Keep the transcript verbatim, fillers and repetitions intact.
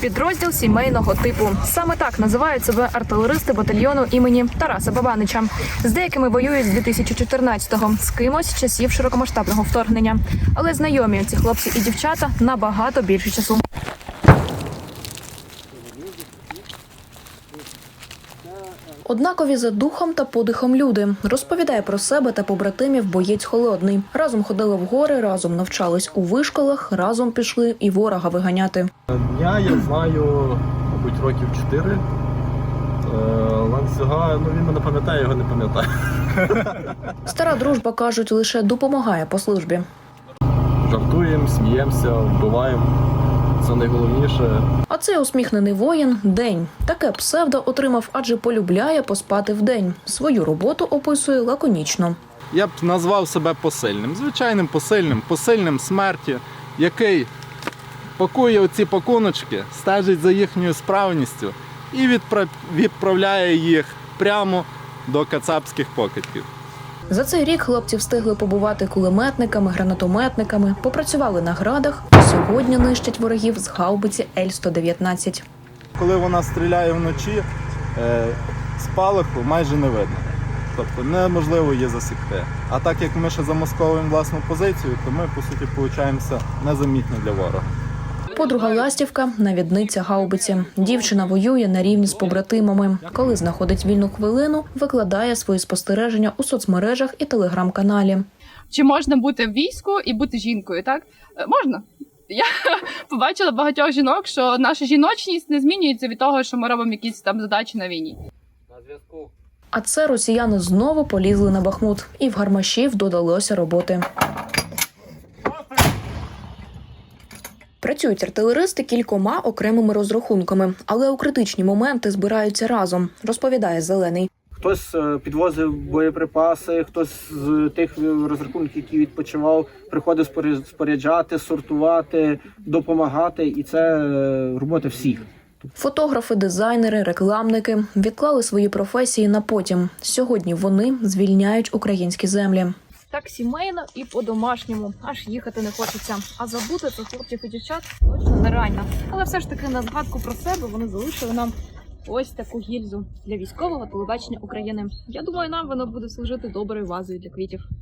Підрозділ сімейного типу. Саме так називають себе артилеристи батальйону імені Тараса Бабанича. З деякими воюють з дві тисячі чотирнадцятого, з кимось з часів широкомасштабного вторгнення. Але знайомі ці хлопці і дівчата набагато більше часу. Однакові за духом та подихом люди. Розповідає про себе та побратимів боєць Холодний. Разом ходили в гори, разом навчались у вишколах, разом пішли і ворога виганяти. Я, я знаю, мабуть, років чотири. Ланцюга, ну він мене пам'ятає, його не пам'ятає. Стара дружба, кажуть, лише допомагає по службі. Жартуємо, сміємося, вбиваємо. Це найголовніше. А цей усміхнений воїн – День. Таке псевдо отримав, адже полюбляє поспати вдень. Свою роботу описує лаконічно. Я б назвав себе посильним, звичайним посильним, посильним смерті, який пакує оці пакуночки, стежить за їхньою справністю і відправляє їх прямо до кацапських покидьків. За цей рік хлопці встигли побувати кулеметниками, гранатометниками, попрацювали на градах, а сьогодні нищать ворогів з гаубиці Ель сто дев'ятнадцять. Коли вона стріляє вночі, спалаху майже не видно. Тобто неможливо її засікти. А так як ми ще замасковуємо власну позицію, то ми, по суті, получаємося незамітні для ворога. Подруга Ластівка – навідниця гаубиці. Дівчина воює на рівні з побратимами. Коли знаходить вільну хвилину, викладає свої спостереження у соцмережах і телеграм-каналі. Чи можна бути в війську і бути жінкою, так? Можна. Я побачила багатьох жінок, що наша жіночність не змінюється від того, що ми робимо якісь там задачі на війні. На зв'язку. А це росіяни знову полізли на Бахмут. І в гармашів додалося роботи. Працюють артилеристи кількома окремими розрахунками, але у критичні моменти збираються разом, розповідає Зелений. Хтось підвозив боєприпаси, хтось з тих розрахунків, які відпочивав, приходив споряджати, сортувати, допомагати. І це робота всіх. Фотографи, дизайнери, рекламники відклали свої професії на потім. Сьогодні вони звільняють українські землі. Так сімейно і по-домашньому. Аж їхати не хочеться. А забути про хлопців і дівчат точно нереально. Але все ж таки на згадку про себе вони залишили нам ось таку гільзу для військового телебачення України. Я думаю, нам воно буде служити доброю вазою для квітів.